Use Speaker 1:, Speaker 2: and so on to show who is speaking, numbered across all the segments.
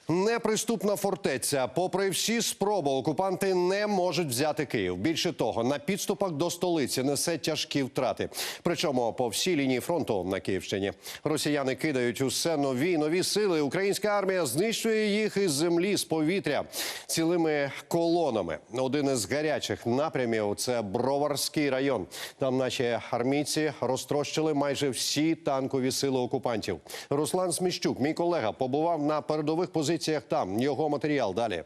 Speaker 1: Неприступна фортеця. Попри всі спроби, окупанти не можуть взяти Київ. Більше того, на підступах до столиці несе тяжкі втрати. Причому по всій лінії фронту на Київщині. Росіяни кидають усе нові й нові сили. Українська армія знищує їх із землі, з повітря, цілими колонами. Один із гарячих напрямів – це Броварський район. Там наші армійці розтрощили майже всі танкові сили окупантів. Руслан Сміщук, мій колега, побував на передових позиціях там. Його матеріал далі.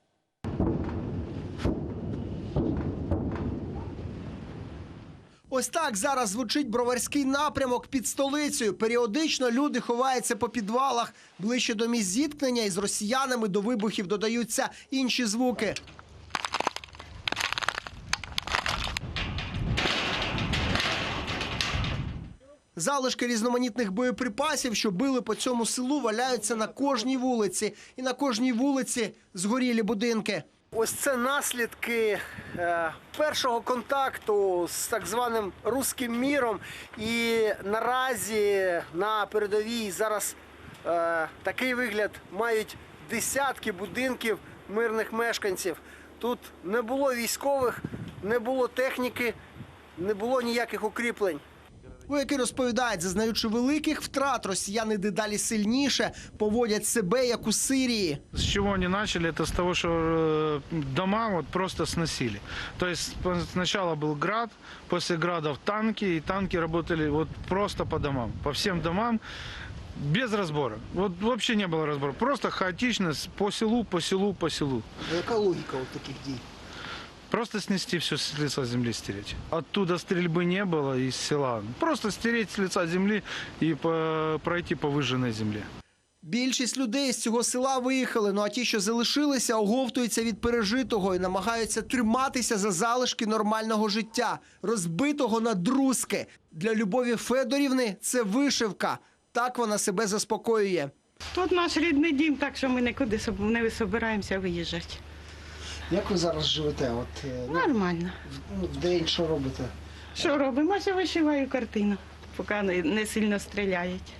Speaker 2: Ось так зараз звучить Броварський напрямок під столицею. Періодично люди ховаються по підвалах. Ближче до місць зіткнення із росіянами до вибухів додаються інші звуки. Залишки різноманітних боєприпасів, що били по цьому селу, валяються на кожній вулиці. І на кожній вулиці згорілі будинки. Ось це наслідки першого контакту з так званим «Руським міром». І наразі на передовій зараз такий вигляд мають десятки будинків мирних мешканців. Тут не було військових, не було техніки, не було ніяких укріплень. Вояки розповідають, зазнаючи великих втрат, росіяни дедалі сильніше поводять себе, як у Сирії.
Speaker 3: С чего они начали, это с того, что дома вот просто сносили. То есть сначала был град, после градов танки, и танки работали вот просто по домам, по всем домам, без разбора. Вот вообще не было разбора, просто хаотично по селу, по селу, по селу.
Speaker 2: Яка логіка от таких дій?
Speaker 3: Просто снести все с лица земли, стереть. Оттуда стрельбы не было из села. Просто стереть с лица земли и пройти по выжженной земле.
Speaker 2: Більшість людей з цього села виїхали, а ті, що залишилися, оговтуються від пережитого і намагаються триматися за залишки нормального життя, розбитого на друзки. Для Любові Федорівни це вишивка. Так вона себе заспокоює.
Speaker 4: Тут наш рідний дім, так що ми нікуди не збираємося виїжджати.
Speaker 2: Як ви зараз живете?
Speaker 4: Нормально.
Speaker 2: В день що робите?
Speaker 4: Що робимо? Ось вишиваю картину, поки не сильно стріляють.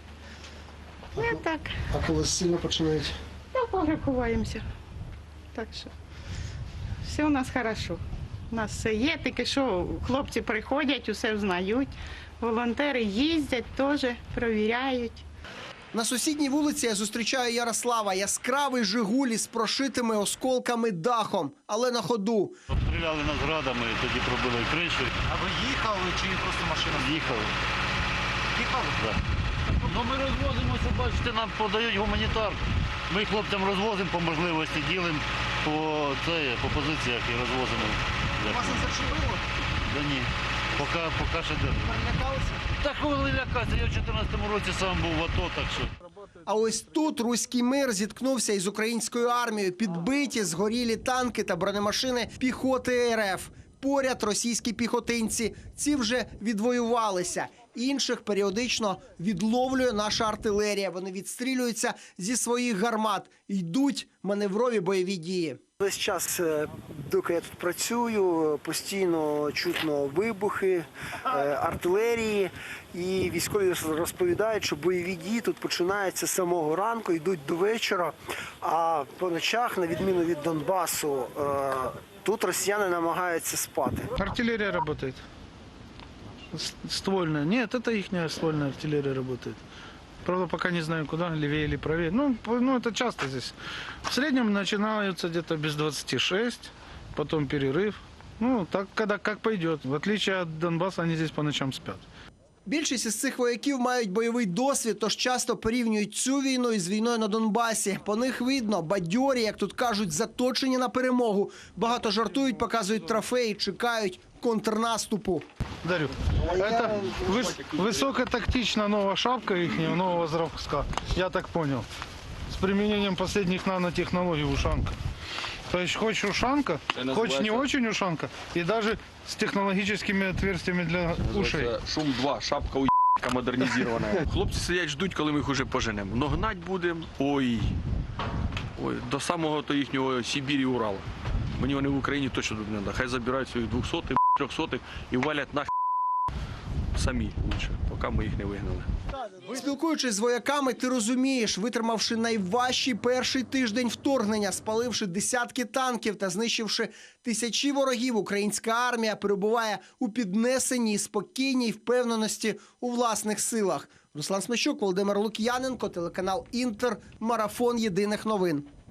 Speaker 4: Ну, так.
Speaker 2: А коли сильно починають?
Speaker 4: Так, вже ховаємося. Так що все у нас хорошо. У нас все є, тільки що хлопці приходять, усе знають. Волонтери їздять, теж перевіряють.
Speaker 2: На сусідній вулиці я зустрічаю Ярослава. Яскравий «Жигуль» із прошитими осколками дахом, але на ходу.
Speaker 5: Обстріляли нас градами, тоді пробили кришу.
Speaker 6: А ви їхали чи просто машина?
Speaker 5: Їхали.
Speaker 6: Їхали?
Speaker 5: Так. Ну ми розвозимося, бачите, нам подають гуманітарку. Ми хлопцям розвозимо по можливості, ділимо по позиціях і розвозимо.
Speaker 2: Вас не зачепило?
Speaker 5: Да ні, поки ще держимо.
Speaker 2: Перелякалися?
Speaker 5: Так коли лякатися, я в 2014 році сам був в АТО, так що.
Speaker 2: А ось тут «Руський мир» зіткнувся із українською армією. Підбиті, згорілі танки та бронемашини піхоти РФ. Поряд російські піхотинці. Ці вже відвоювалися. Інших періодично відловлює наша артилерія. Вони відстрілюються зі своїх гармат. Йдуть маневрові бойові дії. Весь час, доки я тут працюю, постійно чутно вибухи, артилерії. І військові розповідають, що бойові дії тут починаються з самого ранку, йдуть до вечора. А по ночах, на відміну від Донбасу, тут росіяни намагаються спати.
Speaker 3: Артиллерия работает. Ствольная. Нет, это их ствольная артиллерия работает. Правда, пока не знаю, куда, левее или правее. Ну, это часто здесь. В среднем начинаются где-то без 26, потом перерыв. Ну, так, как пойдет. В отличие от Донбасса, они здесь по ночам спят.
Speaker 2: Більшість із цих вояків мають бойовий досвід, тож часто порівнюють цю війну із війною на Донбасі. По них видно, бадьорі, як тут кажуть, заточені на перемогу. Багато жартують, показують трофеї, чекають контрнаступу.
Speaker 3: Дарю. Это высокотактичная новая шапка их, нового зразка, я так понял. С применением последних нанотехнологий ушанка. То есть хочешь ушанка, хочешь не очень ушанка, и даже с технологическими отверстиями для ушей.
Speaker 6: Шум-2, шапка у**ка модернізована. Хлопці сидять, ждуть, коли ми їх уже поженемо. Но гнать будемо, ой, до самого то їхнього Сибірі, Урала. Мені вони в Україні точно тут не треба. Хай забирають своїх 200-х, 300-х і валять нахер самі лучше, поки ми їх не вигнали.
Speaker 2: Спілкуючись з вояками, ти розумієш, витримавши найважчий перший тиждень вторгнення, спаливши десятки танків та знищивши тисячі ворогів, українська армія перебуває у піднесеній, спокійній впевненості у власних силах. Руслан Смещук, Володимир Лук'яненко, телеканал «Інтер», марафон єдиних новин.